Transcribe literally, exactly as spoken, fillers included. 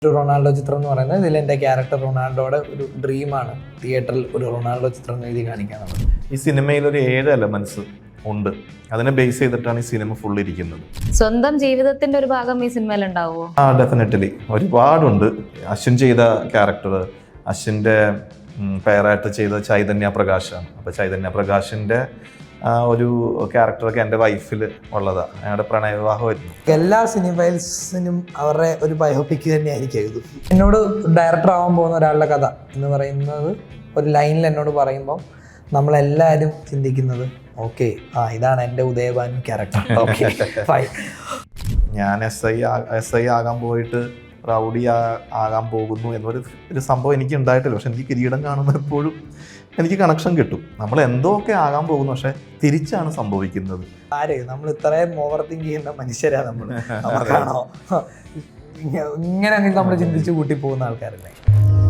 ഒരു റൊണാൾഡോ ചിത്രം എന്ന് പറയുന്നത് ഇതിൽ എൻ്റെ ക്യാരക്ടർ റൊണാൾഡോയുടെ ഒരു ഡ്രീമാണ് തിയേറ്ററിൽ ഒരു റൊണാൾഡോ ചിത്രം എഴുതി കാണിക്കാനുള്ളത്. ഈ സിനിമയിൽ ഒരു ഏഴ് എലമെന്റ്സ് ഉണ്ട്, അതിനെ ബേസ് ചെയ്തിട്ടാണ് ഈ സിനിമ ഫുൾ ഇരിക്കുന്നത്. സ്വന്തം ജീവിതത്തിന്റെ ഒരു ഭാഗം ഈ സിനിമയിൽ ഉണ്ടാവുമോ? ആ ഡെഫിനറ്റ്ലി ഒരുപാടുണ്ട്. അശ്വിൻ ചെയ്ത ക്യാരക്ടർ, അശ്വിൻ്റെ പേരായിട്ട് ചെയ്ത ചൈതന്യ പ്രകാശാണ്. അപ്പോൾ ചൈതന്യ പ്രകാശിൻ്റെ ഒരു ക്യാരക്ടറൊക്കെ എൻ്റെ വൈഫിൽ ഉള്ളതാണ്. ഞങ്ങളുടെ പ്രണയവിവാഹമായിരുന്നു. എല്ലാ സിനിമയിൽസിനും അവരുടെ ഒരു ബയോപിക് തന്നെയായിരിക്കും ഇത്. എന്നോട് ഡയറക്ടർ ആവാൻ പോകുന്ന ഒരാളുടെ കഥ എന്ന് പറയുന്നത് ഒരു ലൈനിൽ എന്നോട് പറയുമ്പോൾ നമ്മളെല്ലാവരും ചിന്തിക്കുന്നത് ഓക്കെ, ആ ഇതാണ് എൻ്റെ ഉദയഭാൻ ക്യാരക്ടർ. Okay fine. ഞാൻ എസ് ഐ എസ് ഐ ആകാൻ പോയിട്ട് റൗഡി ആകാൻ പോകുന്നു എന്നൊരു ഒരു സംഭവം എനിക്ക് ഉണ്ടായിട്ടില്ല. പക്ഷെ എനിക്ക് കിരീടം കാണുമ്പോൾ എപ്പോഴും എനിക്ക് കണക്ഷൻ കിട്ടും. നമ്മൾ എന്തോ ഒക്കെ ആകാൻ പോകുന്നു, പക്ഷെ തിരിച്ചാണ് സംഭവിക്കുന്നത്. ആര് നമ്മൾ ഇത്രയും ഓവർ തിങ്ക് ചെയ്യുന്ന മനുഷ്യരാ നമ്മൾ. നമുക്കാണോ ഇങ്ങനെ നമ്മൾ ചിന്തിച്ച് കൂട്ടി പോകുന്ന ആൾക്കാരല്ലേ?